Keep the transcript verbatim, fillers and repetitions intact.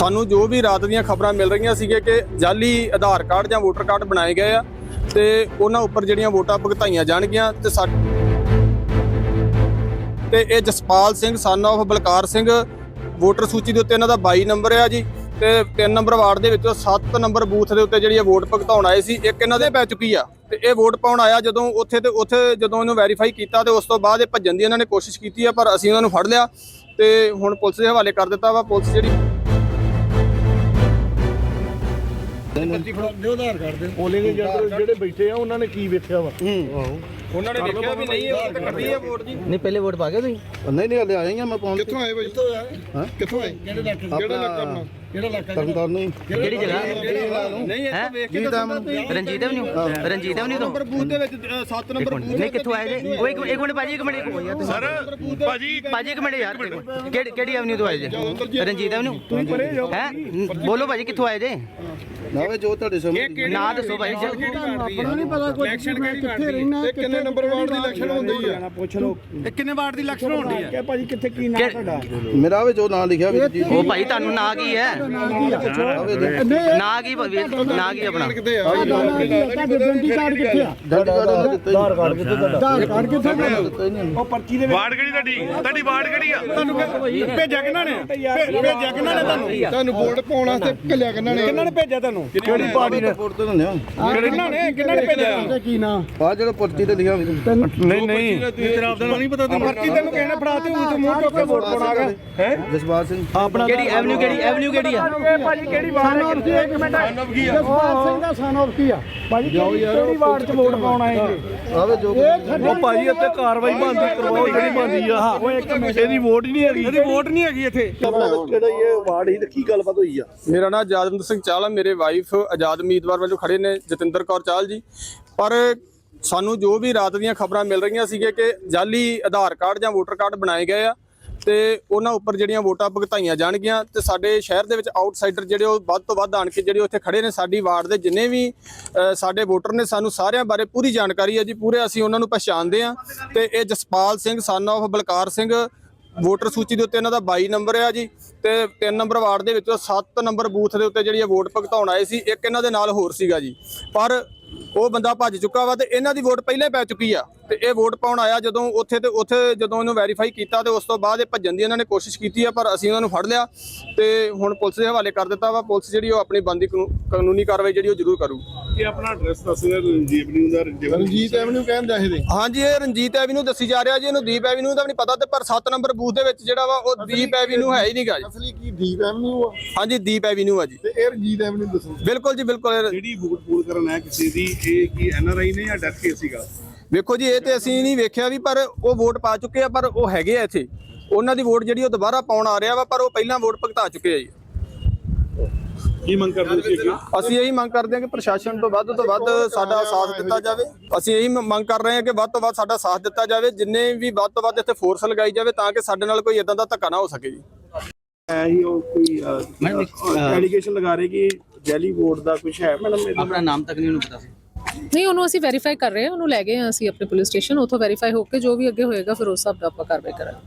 ਸਾਨੂੰ ਜੋ ਵੀ ਰਾਤ ਦੀਆਂ ਖਬਰਾਂ ਮਿਲ ਰਹੀਆਂ ਸੀਗੇ ਕਿ ਜਾਲੀ ਆਧਾਰ ਕਾਰਡ ਜਾਂ ਵੋਟਰ ਕਾਰਡ ਬਣਾਏ ਗਏ ਆ ਤੇ ਉਹਨਾਂ ਉੱਪਰ ਜਿਹੜੀਆਂ ਵੋਟਾਂ ਭੁਗਤਾਈਆਂ ਜਾਣਗੀਆਂ ਤੇ ਸਾ ਤੇ ਇਹ Jaspal Singh son of Balkar Singh voter ਸੂਚੀ ਦੇ ਉੱਤੇ ਇਹਨਾਂ ਦਾ ਬਾਈ ਨੰਬਰ ਆ ਜੀ ਤੇ ਤਿੰਨ ਨੰਬਰ ਵਾਰਡ ਦੇ ਵਿੱਚੋਂ ਸੱਤ ਨੰਬਰ ਬੂਥ ਦੇ ਉੱਤੇ ਜਿਹੜੀ ਇਹ ਵੋਟ ਭੁਗਤਾਉਣ ਆਏ ਸੀ ਇੱਕ ਇਹਨਾਂ ਦੇ ਪੈ ਚੁੱਕੀ ਆ ਤੇ ਇਹ ਵੋਟ ਪਾਉਣ ਆਇਆ ਜਦੋਂ ਉੱਥੇ ਤੇ ਉੱਥੇ ਜਦੋਂ ਇਹਨੂੰ ਵੈਰੀਫਾਈ ਕੀਤਾ ਤੇ ਉਸ ਤੋਂ ਬਾਅਦ ਇਹ ਭੱਜਣ ਦੀ ਇਹਨਾਂ ਨੇ ਕੋਸ਼ਿਸ਼ ਕੀਤੀ ਆ ਪਰ ਅਸੀਂ ਉਹਨਾਂ ਨੂੰ ਫੜ ਲਿਆ ਤੇ ਹੁਣ ਪੁਲਿਸ ਦੇ ਹਵਾਲੇ ਕਰ ਦਿੱਤਾ ਵਾ। ਪੁਲਿਸ ਜਿਹੜੀ ਆਧਾਰ ਕਾਰਡ ਦੇ ਪੋਲਿੰਗ ਏਜੰਟ ਜਿਹੜੇ ਬੈਠੇ ਆ ਉਹਨਾਂ ਨੇ ਕੀ ਵੇਖਿਆ ਵਾ ਉਹਨਾਂ ਨੇ ਦੇਖਿਆ ਵੀ ਨਹੀਂ ਇਹ ਤਾਂ ਕੱਢੀ ਆ ਵੋਟ ਜੀ ਨਹੀਂ ਪਹਿਲੇ ਵੋਟ ਪਾ ਗਏ ਤੁਸੀਂ ਨਹੀਂ ਨਹੀਂ ਹਲੇ ਆਏ ਆ ਮੈਂ ਪਾਉਣ ਕਿੱਥੋਂ ਆਏ ਬਾਈ ਕਿੱਥੋਂ ਆਏ ਹਾਂ ਕਿੱਥੋਂ ਆਏ ਕਿਹੜੇ ਇਲਾਕੇ ਕਿਹੜਾ ਇਲਾਕਾ ਆਪਣਾ ਕਿਹੜਾ ਇਲਾਕਾ ਤਰਨਤਾਰਨ ਨਹੀਂ ਕਿਹੜੀ ਜਗ੍ਹਾ ਨਹੀਂ ਇੱਥੇ ਵੇਖ ਕੇ ਰਣਜੀਤ ਐਵਨਿਊ ਰਣਜੀਤ ਐਵਨਿਊ ਤੋਂ ਨੰਬਰ ਬੂਥ ਦੇ ਵਿੱਚ ਸੱਤ ਨੰਬਰ ਬੂਥ ਨਹੀਂ ਕਿੱਥੋਂ ਆਏ ਜੇ ਉਹ ਇੱਕ ਇੱਕ ਮਿੰਟ ਭਾਜੀ ਇੱਕ ਮਿੰਟ ਸਰ ਭਾਜੀ ਭਾਜੀ ਇੱਕ ਮਿੰਟ ਯਾਰ ਕਿਹੜੀ ਕਿਹੜੀ ਐਵਨਿਊ ਤੋਂ ਆਏ ਜੇ ਰਣਜੀਤ ਐਵਨਿਊ ਤੁਸੀਂ ਪਰੇ ਜਾਓ ਹੈ ਬੋਲੋ ਭਾਜੀ ਕਿੱਥੋਂ ਆਏ ਜੇ ਨਾ ਵੇ ਜੋ ਤੁਹਾਡੇ ਸਾਹਮਣੇ ਨਾ ਦੱਸੋ ਭਾਈ ਆਪਣਾ ਨਹੀਂ ਪਤਾ ਕੋਈ ਇਲੈਕਸ਼ਨ ਕਿੱਥੇ ਰਹਿਣਾ ਇਹ ਕਿੰਨੇ ਨੰਬਰ ਵਾਰਡ ਦੀ ਇਲੈਕਸ਼ਨ ਹੁੰਦੀ ਆ ਪੁੱਛ ਲਓ ਇਹ ਕਿੰਨੇ ਵਾਰਡ ਦੀ ਇਲੈਕਸ਼ਨ ਹੁੰਦੀ ਕਿ ਭਾਜੀ ਕਿੱਥੇ ਕੀ ਨਾਮ ਤੁਹਾਡਾ ਮੇਰਾ ਵੇ ਜੋ ਨਾਂ ਲਿਖਿਆ ਵੀ ਜੀ ਉਹ ਭਾਈ ਤੁਹਾਨੂੰ ਨਾਂ ਕੀ ਹੈ ਨਾਂ ਕੀ ਨਾਂ ਕੀ ਆਪਣਾ ਕਿੱਥੇ ਆ ਆਧਾਰ ਕਾਰਡ ਕਿੱਥੇ ਆ ਆਧਾਰ ਕਾਰਡ ਕਿੱਥੇ ਤੁਹਾਡਾ ਆਧਾਰ ਕਾਰਡ ਕਿੱਥੇ ਦਿੱਤਾ ਹੀ ਨਹੀਂ ਉਹ ਪਰਚੀ ਦੇ ਵਾਰਡ ਕਿਹੜੀ ਤੁਹਾਡੀ ਤੁਹਾਡੀ ਵਾਰਡ ਕਿਹੜੀ ਆ ਤੁਹਾਨੂੰ ਭੇਜਿਆ ਕਿਹਨਾਂ ਨੇ ਭੇਜਿਆ ਕਿਹਨਾਂ ਨੇ ਤੁਹਾਨੂੰ ਤੁਹਾਨੂੰ ਵੋਟ ਪਾਉਣ ਵਾਸਤੇ ਘੱਲਿਆ ਕਿਹਨਾਂ ਨੇ ਕਿਹਨਾਂ ਨੇ ਭੇਜਿਆ ਤੁਹਾਨੂੰ ਕਿਹੜੀ ਪਾਰਟੀ ਨੇ ਰਿਪੋਰਟ ਤੇ ਦਿੰਦੇ ਆ ਕਿਹਨਾਂ ਨੇ ਕਿਹਨਾਂ ਨੇ ਭੇਜਿਆ ਕੀ ਨਾਂ ਆ ਜਿਹੜਾ ਪਰਚੀ ਤੇ ਲਿਖਿਆ ਨਹੀਂ ਨਹੀਂ ਤੇਰਾ ਆਪਦਾ ਨਹੀਂ ਪਤਾ ਪਰਚੀ ਤੈਨੂੰ ਕਿਸੇ ਨੇ ਫੜਾਤੀ ਉਹ ਤੇ ਮੂੰਹ ਚੁੱਕ ਕੇ ਵੋਟ ਪਾਉਣਾ ਹੈ ਜਸਪਾਲ ਸਿੰਘ ਆਪਣਾ ਕਿਹੜੀ ਐਵਨਿਊ ਕਿਹੜੀ ਐਵਨਿਊ ਕਿਹੜੀ ਆ ਭਾਜੀ ਕਿਹੜੀ ਵਾਰਡ ਹੈ ਕਿੱਥੇ ਇੱਕ ਮਿੰਟ ਜਸਪਾਲ ਸਿੰਘ ਦਾ ਸਨ ਆਫ ਕੀ ਆ ਭਾਜੀ ਕਿਹੜੀ ਵਾਰਡ 'ਚ ਵੋਟ ਪਾਉਣ ਆਏ ਜੀ ਆਵੇ ਜੋ ਉਹ ਭਾਜੀ ਇੱਥੇ ਕਾਰਵਾਈ ਬੰਦੀ ਕਰਵਾਓ ਜਿਹੜੀ ਬੰਦੀ ਆ ਉਹ ਇੱਕ ਮਿੰਟ ਇਹਦੀ ਵੋਟ ਹੀ ਨਹੀਂ ਹੈਗੀ ਇਹਦੀ ਵੋਟ ਨਹੀਂ ਹੈਗੀ ਇੱਥੇ ਕਿਹੜਾ ਇਹ ਵਾਰਡ ਹੀ ਤੇ ਕੀ ਗੱਲਬਾਤ ਹੋਈ ਆ ਮੇਰਾ ਨਾਮ ਆਜ਼ਾਦਮੰਦ ਸਿੰਘ ਚਾਹਲ ਹੈ। ਮੇਰੇ ਵਾਈਫ ਆਜ਼ਾਦ ਉਮੀਦਵਾਰ ਵਜੋਂ ਖੜੇ ਨੇ ਜਤਿੰਦਰ ਕੌਰ ਚਾਹਲ ਜੀ। ਪਰ ਸਾਨੂੰ ਜੋ ਵੀ ਰਾਤ ਦੀਆਂ ਖਬਰਾਂ ਮਿਲ ਰਹੀਆਂ ਸੀਗੇ ਕਿ ਜਾਲੀ ਆਧਾਰ ਕਾਰਡ ਜਾਂ ਵੋਟਰ ਕਾਰਡ ਬਣਾਏ ਗਏ ਆ ਤੇ ਉਹਨਾਂ ਉੱਪਰ ਜਿਹੜੀਆਂ ਵੋਟਾਂ ਭੁਗਤਾਈਆਂ ਜਾਣਗੀਆਂ ਤੇ ਸਾਡੇ ਸ਼ਹਿਰ ਦੇ ਵਿੱਚ ਆਊਟਸਾਈਡਰ ਜਿਹੜੇ ਉਹ ਵੱਧ ਤੋਂ ਵੱਧ ਆਣ ਕੇ ਜਿਹੜੇ ਉੱਥੇ ਖੜੇ ਨੇ ਸਾਡੀ ਵਾਰਡ ਦੇ ਜਿੰਨੇ ਵੀ ਸਾਡੇ ਵੋਟਰ ਨੇ ਸਾਨੂੰ ਸਾਰਿਆਂ ਬਾਰੇ ਪੂਰੀ ਜਾਣਕਾਰੀ ਹੈ ਜੀ। ਪੂਰੇ ਅਸੀਂ ਉਹਨਾਂ ਨੂੰ ਪਛਾਣਦੇ ਆ ਤੇ ਇਹ Jaspal Singh son of Balkar Singh voter ਸੂਚੀ ਦੇ ਉੱਤੇ ਇਹਨਾਂ ਦਾ ਬਾਈ ਨੰਬਰ ਆ ਜੀ ਤੇ ਤਿੰਨ ਨੰਬਰ ਵਾਰਡ ਦੇ ਵਿੱਚੋਂ ਸੱਤ ਨੰਬਰ ਬੂਥ ਦੇ ਉੱਤੇ ਜਿਹੜੀ ਵੋਟ ਭੁਗਤਾਉਣ ਆਏ ਸੀ ਇੱਕ ਇਹਨਾਂ ਦੇ ਨਾਲ ਹੋਰ ਸੀਗਾ ਜੀ ਪਰ ਉਹ ਬੰਦਾ ਭੱਜ ਚੁੱਕਾ ਵਾ ਤੇ ਇਹਨਾਂ ਦੀ ਵੋਟ ਪਹਿਲਾਂ ਹੀ ਪੈ ਚੁੱਕੀ ਆ ਤੇ ਇਹ ਵੋਟ ਪਾਉਣ ਆਇਆ ਜਦੋਂ ਉੱਥੇ ਤੇ ਉੱਥੇ ਜਦੋਂ ਇਹਨੂੰ ਵੈਰੀਫਾਈ ਕੀਤਾ ਤੇ ਉਸ ਤੋਂ ਬਾਅਦ ਇਹ ਭੱਜਣ ਦੀ ਇਹਨਾਂ ਨੇ ਕੋਸ਼ਿਸ਼ ਕੀਤੀ ਆ ਪਰ ਅਸੀਂ ਉਹਨਾਂ ਨੂੰ ਫੜ ਲਿਆ ਤੇ ਹੁਣ ਪੁਲਿਸ ਦੇ ਹਵਾਲੇ ਕਰ ਦਿੱਤਾ ਵਾ। ਪੁਲਿਸ ਜਿਹੜੀ ਉਹ ਆਪਣੀ ਬਣਦੀ ਕਾਨੂੰਨੀ ਕਾਰਵਾਈ ਜਿਹੜੀ ਉਹ ਜ਼ਰੂਰ ਕਰੂ। ਇਹ ਆਪਣਾ ਐਡਰੈਸ ਦੱਸ ਦਿਓ ਰਣਜੀਤ ਐਵਨਿਊ ਦਾ ਰਣਜੀਤ ਐਵਨਿਊ ਕਹਿੰਦਾ ਇਹਦੇ ਹਾਂਜੀ ਇਹ ਰਣਜੀਤ ਐਵਨਿਊ ਦੱਸੀ ਜਾ ਰਿਹਾ ਜੀ। ਇਹਨੂੰ ਦੀਪ ਐਵਨਿਊ ਦਾ ਵੀ ਨਹੀਂ ਪਤਾ ਤੇ ਪਰ ਸੱਤ ਨੰਬਰ ਬੂਥ ਦੇ ਵਿੱਚ ਜਿਹੜਾ ਵਾ ਉਹ ਦੀਪ ਐਵਨਿਊ ਹੈ ਹੀ ਨਹੀਂਗਾ ਜੀ। ਅਸਲੀ ਕੀ ਦੀਪ ਐਵਨਿਊ ਆ ਹਾਂਜੀ ਦੀਪ ਐਵਨਿਊ ਆ ਜੀ। ਤੇ ਇਹ ਰਣਜੀਤ ਐਵਨਿਊ ਦੱਸੋ ਬਿਲਕੁਲ ਜੀ ਬਿਲਕੁਲ। ਜਿਹੜੀ ਵੋਟ ਪੂਲ ਕਰਨ ਹੈ ਕਿਸੇ ਦੀ ਇਹ ਕੀ ਐਨ ਆਰ ਆਈ ਨੇ ਜਾਂ ਡੈਥ ਕੇਸ ਸੀਗਾ? ਵੇਖੋ ਜੀ ਇਹ ਤੇ ਅਸੀਂ ਨਹੀਂ ਵੇਖਿਆ ਵੀ ਪਰ ਉਹ ਵੋਟ ਪਾ ਚੁੱਕੇ ਆ ਪਰ ਉਹ ਹੈਗੇ ਆ ਇੱਥੇ ਉਹਨਾਂ ਦੀ ਵੋਟ ਜਿਹੜੀ ਉਹ ਦੁਬਾਰਾ ਪਾਉਣ ਆ ਰਿਹਾ ਵਾ ਪਰ ਉਹ ਪਹਿਲਾਂ ਵੋਟ ਭੁਗਤਾ ਚੁੱਕੇ ਆ ਜੀ। ਕੀ ਮੰਗ ਕਰਦੇ ਤੁਸੀਂ ਅੱਗੇ? ਅਸੀਂ ਇਹੀ ਮੰਗ ਕਰਦੇ ਹਾਂ ਕਿ ਪ੍ਰਸ਼ਾਸਨ ਤੋਂ ਵੱਧ ਤੋਂ ਵੱਧ ਸਾਡਾ ਸਾਥ ਦਿੱਤਾ ਜਾਵੇ। ਅਸੀਂ ਇਹੀ ਮੰਗ ਕਰ ਰਹੇ ਹਾਂ ਕਿ ਵੱਧ ਤੋਂ ਵੱਧ ਸਾਡਾ ਸਾਥ ਦਿੱਤਾ ਜਾਵੇ ਜਿੰਨੇ ਵੀ ਵੱਧ ਤੋਂ ਵੱਧ ਇੱਥੇ ਫੋਰਸ ਲਗਾਈ ਜਾਵੇ ਤਾਂ ਕਿ ਸਾਡੇ ਨਾਲ ਕੋਈ ਇਦਾਂ ਦਾ ਧੱਕਾ ਨਾ ਹੋ ਸਕੇ ਜੀ। ਇਹੀ ਉਹ ਕੋਈ ਐਲੀਗੇਸ਼ਨ ਲਗਾ ਰਹੇ ਕਿ ਜੈਲੀ ਵੋਟ ਦਾ ਕੁਝ ਹੈ ਮੈਡਮ? ਆਪਣਾ ਨਾਮ ਤੱਕ ਨਹੀਂ ਉਹਨੂੰ ਪਤਾ ਸੀ। ਨਹੀਂ ਉਹਨੂੰ ਅਸੀਂ ਵੈਰੀਫਾਈ ਕਰ ਰਹੇ ਹਾਂ ਉਹਨੂੰ ਲੈ ਗਏ ਹਾਂ ਅਸੀਂ ਆਪਣੇ ਪੁਲਿਸ ਸਟੇਸ਼ਨ ਉੱਥੋਂ ਵੈਰੀਫਾਈ ਹੋ ਕੇ ਜੋ ਵੀ ਅੱਗੇ ਹੋਏਗਾ ਫਿਰ ਉਸ ਹਿਸਾਬ ਨਾਲ ਆਪਾਂ ਕਾਰਵਾਈ ਕਰਾਂਗੇ।